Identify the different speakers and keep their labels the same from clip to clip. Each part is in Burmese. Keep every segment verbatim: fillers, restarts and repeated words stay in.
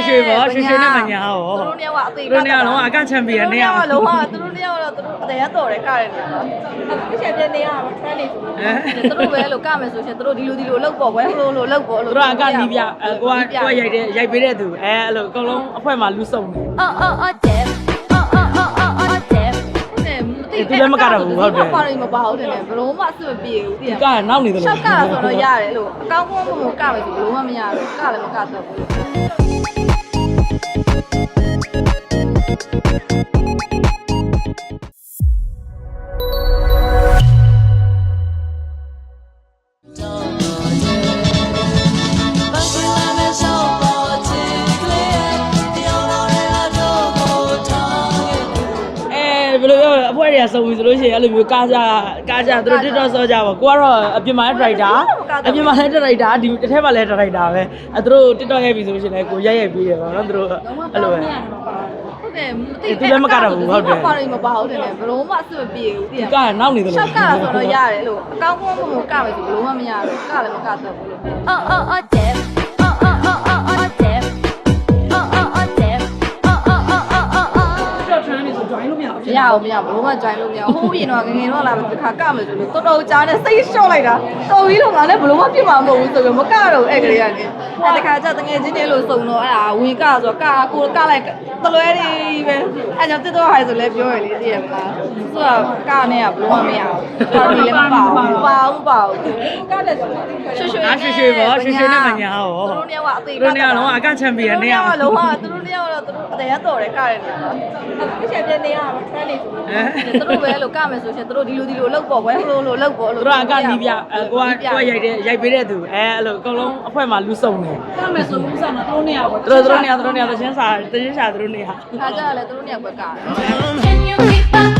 Speaker 1: ရွှေပေါ့ရွှေရွှေနဲ့မညာဟော
Speaker 2: သူတို့နှစ်ယောက်ကအသေး
Speaker 1: သူတို့နှစ်ယောက်လုံးအကချန်ပီယံနဲ့
Speaker 2: လုံးဝလုံးဝသူတို့နှစ်ယောက်တော့သူတို့တရားတော်တယ်ကရတယ်နော်အခုချက်ပြနေရမှာ trend နေဆိုသူတို့ပဲလို့ကမယ်ဆိုရှင်သူတို့ဒီလိုဒီလိုလောက်ပေါ့ကွယ်ဟိုလိုလောက်ပေါ့လို့
Speaker 1: သူတို့အကနီးပြအဲကိုကကိုကရိုက်တဲ့ရိုက်ပေးတဲ့သူအဲအဲ့လိုအကုန်လုံးအဖွဲမှာလူစုံတယ်
Speaker 2: အော်အော်အော်တဲ့အော်အော်အော်အော်တဲ့သူလည်းမကတော့ဘူးဟုတ်တယ်ပါရီမပါဟုတ်တယ်လေဘလုံးမအဆင်မပြေဘူးပြင်
Speaker 1: ကနောက်နေတယ်လို့
Speaker 2: ရှောက်ကဆိုတော့ရတယ်လို့အကောင်းကောင်းမမကမယ်ဆိုဘလုံးမမရဘူးကလည်းမကတော့ဘူး
Speaker 1: ဘယ်လိုပြောအဖွဲတွေကစုံပြီဆိုလို့ရှိရင်အဲ့လိုမျိုးကားကြကားကြသူတို့ TikTok ဆော့ကြပါကိုကတော့အပြင်မှာလည်း director အပြင်မှာလည်း director ဒီတစ်ထက်မှာလည်း director ပဲအဲသူတို့ TikTok ရိုက်ပြီဆိုလို့ရှိရင်လည်းကိုရိုက်ရိုက်ပြီးတယ်ပေါ့နော်သူတို့အဲ့လိုပဲ
Speaker 2: ဟုတ်တယ်မသိ
Speaker 1: သူလည်းမကတော့ဘူးဟုတ်တယ်
Speaker 2: ပါရီမပါဟုတ်တယ်လေဘလုံးမအဆင်မပြေဘူးပြင်
Speaker 1: ကနောက်နေတယ်လို့
Speaker 2: ရှောက်ကဆိုတော့ရတယ်လို့အကောင်းကောင်းမမကမယ်ဆိုဘလုံးမမရဘူးကလည်းမကတော့ဘူးလို့အော်အော်အော်တဲ့အော်အော်အော်အော်တဲ့အော်အော်အော်တဲ့အော်အော်အော်အော်အော်
Speaker 1: TikTok trend နေဆို join လို့မရဘူး
Speaker 2: မရဘူးမရဘူးဘလုံးမ join လို့မရဘူးဟိုးရင်တော့ငငယ်တော့လာတစ်ခါကမယ်ဆိုလို့တော်တော်ကြားနေစိတ်လျှော့လိုက်တာတော်ပြီလို့ငါလည်းဘလုံးမပြစ်မှာမဟုတ်ဘူးဆိုပြီးမကတော့အဲ့ကလေးကနေအဲ့တခါကျတငယ်ချင်းတွေလို့စုံတော့အဲ့ဒါဝင်ကဆိုကာကိုကလိုက်တလွဲတွေပဲအဲ့ကြောင့်တစ်တော့ဟိုင်ဆိုလဲပြောရလေသိရမလားသူကကနေကဘလုံးမမရဘူးတော်ပြီလည်းမပါဘူးပါဘူးပါဘူးကတဲ့ဆိုရွှေရွှေ
Speaker 1: အားရွှေရွှေပေါ့ရွှေရွှေနဲ့မညာဟော
Speaker 2: သူတို့နှစ်ယောက်ကအသေး
Speaker 1: သူတို့နှစ်ယောက်လုံးအကချန်ပီယံနဲ့
Speaker 2: သူတို့နှစ်ယောက်လုံးဝသူတို့နှစ်ယောက်တော့သူတို့တရားတော်တယ်ကရတယ်နော်အခုချက်ပြနေရမှာ trend နေဆိုသူတို့ပဲလို့ကမယ်ဆိုရှင်သူတို့ဒီလိုဒီလိုလောက်ပေါ့ကွယ်ဟိုလိုလိုလောက်ပေါ့လို့
Speaker 1: သူတို့အကနီးပြအဲကိုကကိုကရိုက်တဲ့ရိုက်ပေးတဲ့သူအဲအဲ့လိုအကုန်လုံးအဖွဲမှာလူစုံတယ်ကမယ်ဆိုဦးစားတော့သူတို့နှစ်ယောက်ပေါ့သူတို့သူတို့နှစ်ယောက်သူတို့နှစ်ယောက်သချင်းစာသချင်းစာသူတို့နှစ်ယောက်
Speaker 2: ခါကြလည်းသူတို့နှစ်ယောက်ပဲကတယ်
Speaker 3: Can you keep up?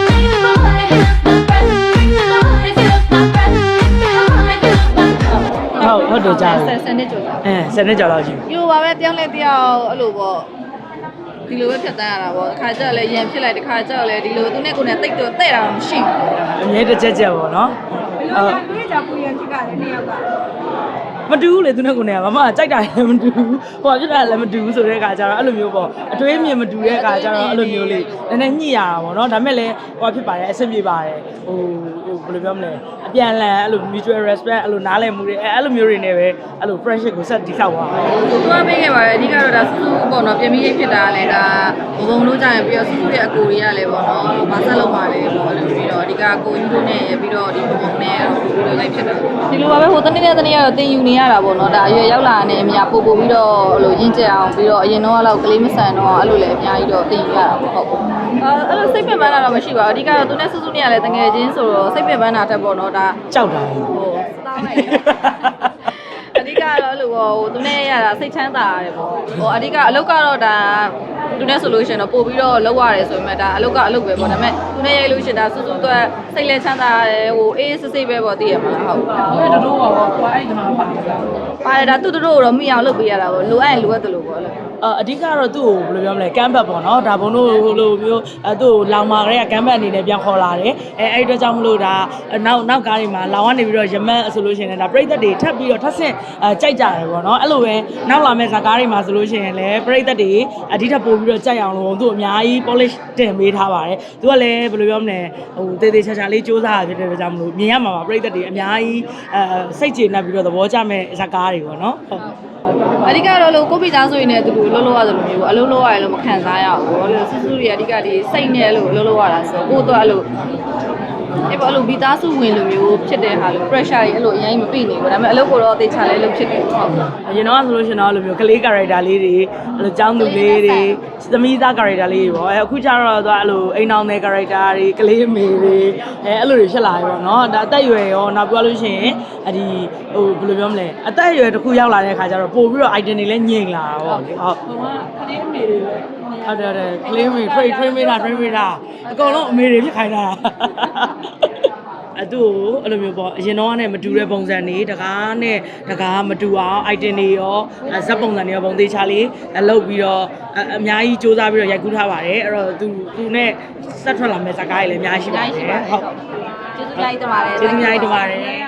Speaker 3: If you hold my hand, my breath. If you hold my breath. If you hold my
Speaker 1: ဟုတ်ဟုတ်တယ်ကြားတယ်
Speaker 2: စနေကြော်ကြ
Speaker 1: အဲစနေကြော်လောက်ရှိ
Speaker 2: ယူပါပဲတယောက်နဲ့တယောက်အဲ့လိုပေါ့ဒီလိုပဲဖြတ်တန်းရတာပေါ့ခါကြလည်းရန်ဖြစ်လိုက်တခါကြလည်းဒီလိုသူနဲ့ကိုယ်နဲ့တိတ်တော့တဲ့တာမရှိဘူး
Speaker 1: အမြဲတစ်ချက်ချက်ပေါ့နော်ဟုတ်
Speaker 2: တွေးကြပူရန်ဖြစ်ကြတယ်နှစ်ယောက်က
Speaker 1: မတူဘူးလေသူနဲ့ကိုယ်နဲ့ကမမကြိုက်တာလည်းမတူဘူးဟိုဖြစ်တာလည်းမတူဘူးဆိုတဲ့အခါကျတော့အဲ့လိုမျိုးပေါ့အတွေးမြင်မတူတဲ့အခါကျတော့အဲ့လိုမျိုးလေးနည်းနည်းညှိရတာပေါ့နော်ဒါပေမဲ့လည်းဟိုဖြစ်ပါတယ်အဆင်ပြေပါတယ်ဟိုဟိုဘယ်လိုပြောမလဲအပြန်လန်အဲ့လို mutual respect အဲ့လိုနားလည်မှုတွေအဲ့လိုမျိုးတွေနဲ့ပဲအဲ့လို friendship ကိုဆက်တည်ဆောက်သွားတယ်
Speaker 2: သူကပေးခဲ့ပါတယ်အဓိကတော့ဒါစူးစူးပေါ့နော်ပြင်ပြီးဖြစ်တာလည်းဒါဘုံဘုံလို့ကြာရင်ပြီးတော့စူးစူးရဲ့အကိုတွေကလည်းပေါ့နော်ဘာဆက်လုပ်ပါလဲပေါ့လို့ပြီးတော့အဓိကကိုယူတို့နဲ့ပြီးတော့ဒီဘုံဘုံနဲ့ပြီးတော့လိုက်ဖြစ်တာဒီလိုပါပဲဟိုတနေ့နဲ့တနေ့ကတော့တင်ယူနေရတာပေါ့နော်ဒါအရွယ်ရောက်လာတဲ့အမြပို့ပို့ပြီးတော့ဟိုလိုရင်းကျက်အောင်ပြီးတော့အရင်တော့ကတော့ကလေးမဆန်တော့အဲ့လိုလည်းအများကြီးတော့တင်ယူရတာပေါ့ဟုတ်အဲအဲ့လိုစိတ်ပင်ပန်းတာတော့မရှိပါဘူးအဓိကတော့သူနဲ့စူးစူးနဲ့ကလည်းတငယ်ချင်းဆိုတော့စိတ်ပင်ပန်းတာတက်ပေါ့နော်ဒါ
Speaker 1: ကြောက်တာ
Speaker 2: ဟိုစောင်းလိုက်အဓိကတော့အဲ့လိုဟိုသူနဲ့ရတာစိတ်ချမ်းသာရတယ်ပေါ့ဟိုအဓိကအလုပ်ကတော့ဒါသူနဲ့ဆိုလို့ရှိရင်တော့ပို့ပြီးတော့လောက်ရတယ်ဆိုပေမဲ့ဒါအလုပ်ကအလုပ်ပဲပေါ့ဒါပေမဲ့သူနဲ့ရိုက်လို့ရှိရင်ဒါစူးစူးတော့စိတ်လက်ချမ်းသာရတယ်ဟိုအေးစစ်စစ်ပဲပေါ့သိရမလားဟုတ်ဟုတ်တူတူပါပေါ့ဟိုအဲ့ဒီမှာပါတယ်ပါတယ်ဒါတူတူတော့မိအောင်လုပ်ပေးရတာပေါ့လိုအပ်ရင်လိုအပ်တယ်လို့ပေါ့လေ
Speaker 1: အဓိကတော့သူ့ကိုဘယ်လိုပြောမလဲကမ်ဘတ်ပေါ့နော်ဒါဘုံတို့ဟိုလိုမျိုးအဲသူ့ကိုလောင်မာကလေးကကမ်ဘတ်အနေနဲ့ပြန်ခေါ်လာတယ်အဲအဲ့ဒီအတွက်ကြောင့်မလို့ဒါနောက်နောက်ကားတွေမှာလောင်ကနေပြီးတော့ရမတ်ဆိုလို့ရှိရင်လည်းဒါပြိသက်တွေထပ်ပြီးတော့ထပ်ဆင့်အဲကြိုက်ကြတယ်ပေါ့နော်အဲ့လိုပဲနောက်လာမဲ့ဇာကားတွေမှာဆိုလို့ရှိရင်လည်းပြိသက်တွေအဒီထပ်ပို့ပြီးတော့ကြိုက်အောင်လို့သူ့အများကြီး polish တင်ပေးထားပါတယ်သူကလည်းဘယ်လိုပြောမလဲဟိုတေးသေးချာချာလေးစူးစမ်းရဖြစ်တဲ့အတွက်ကြောင့်မလို့မြင်ရမှာပါပြိသက်တွေအများကြီးအဲစိတ်ကျေနပ်ပြီးတော့သဘောကျမဲ့ဇာကားတွေပေါ့နော်ဟုတ်
Speaker 2: အဓိကတော့လို့ကိုပိသားဆိုရင်လည်းသူတို့လှုပ်လှုပ်ရသလိုမျိုးပေါ့အလုံးလှုပ်ရတယ်လို့မခံစားရဘူးပေါ့လို့စူးစူးတွေအဓိကဒီစိတ်နဲ့လို့လှုပ်လှုပ်ရတာဆိုတော့ကိုတော့အဲ့လိုအဲ့ပေါ့အဲ့လိုမိသားစုဝင်လိုမျိုးဖြစ်တဲ့ဟာလို့ pressure တွေအဲ့လိုအရင်မပြည့်နေဘူးဒါပေမဲ့အလုပ်ကိုတော့တေချာလဲလုပ်ဖြစ်တယ်ဟုတ်
Speaker 1: အရင်တော့ဆိုလို့ရှင်တော့အဲ့လိုမျိုးကလေး character လေးတွေအဲ့လိုចောင်းသူလေးတွေသမီးသား character လေးတွေပေါ့အဲအခုကျတော့သူအဲ့လိုအိမ်အောင်တဲ့ character တွေကလေးအမေတွေအဲအဲ့လိုတွေဖြစ်လာပြီပေါ့နော်ဒါအသက်အရွယ်ရောနောက်ပြောလို့ရှိရင်အဒီဟိုဘယ်လိုပြောမလဲအသက်အရွယ်တစ်ခုရောက်လာတဲ့အခါကျတော့ပို့ပြီးတော့ item တွေလည်းညင်လာတာပေါ့လေဟုတ်ဟိုကကလေးအမေတွေပဲဟုတ်တယ်တယ်ကလေးအမေ train train မေးတာ train မေးတာအကုန်လုံးအမေတွေဖြစ်ခိုင်းတာအတူအဲ့လိုမျိုးပေါ့အရင်တော့ကနေမတူတဲ့ပုံစံတွေတကားနဲ့တကားမတူအောင် item တွေရောဇက်ပုံစံတွေရောပုံသေးချလေးလုပ်ပြီးတော့အများကြီးစူးစမ်းပြီးတော့ရိုက်ကူးထားပါတယ်အဲ့တော့သူသူနဲ့ဆက်ထွက်လာမဲ့ဇာတ်ကားတွေလည်းအများကြီးရှိပါတယ်ဟုတ်ကျေးဇူးများကြီးတင်ပါတယ်
Speaker 2: ကျေးဇူးများကြီးတင်ပါတယ်